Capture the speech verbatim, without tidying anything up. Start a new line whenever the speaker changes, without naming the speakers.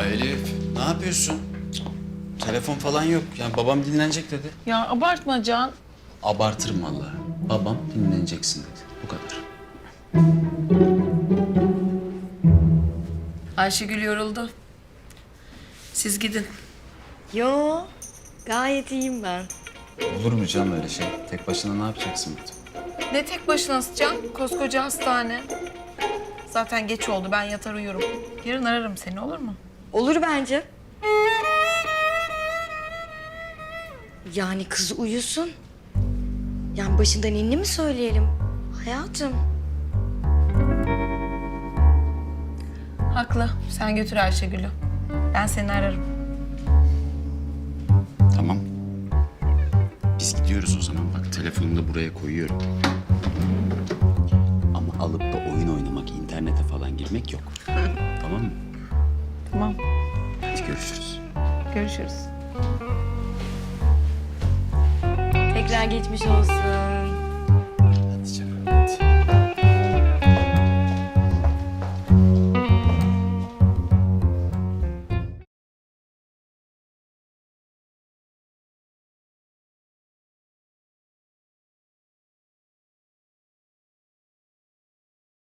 Ya Elif, ne yapıyorsun? Cık, telefon falan yok. Yani babam dinlenecek dedi.
Ya abartma Can.
Abartırım vallahi. Babam dinleneceksin dedi. Bu kadar.
Ayşegül yoruldu. Siz gidin.
Yo, gayet iyiyim ben.
Olur mu canım öyle şey? Tek başına ne yapacaksın burada?
Ne tek başına Can? Koskoca hastane. Zaten geç oldu. Ben yatar uyurum. Yarın ararım seni, olur mu?
Olur bence. Yani kız uyusun. Yani başından inni mi söyleyelim? Hayatım.
Haklı. Sen götür Ayşegül'ü. Ben seni ararım.
Tamam. Biz gidiyoruz o zaman. Bak telefonu da buraya koyuyorum. Ama alıp da oyun oynamak, internete falan girmek yok. Tamam mı?
Tamam.
Hadi görüşürüz.
Görüşürüz.
Tekrar geçmiş olsun.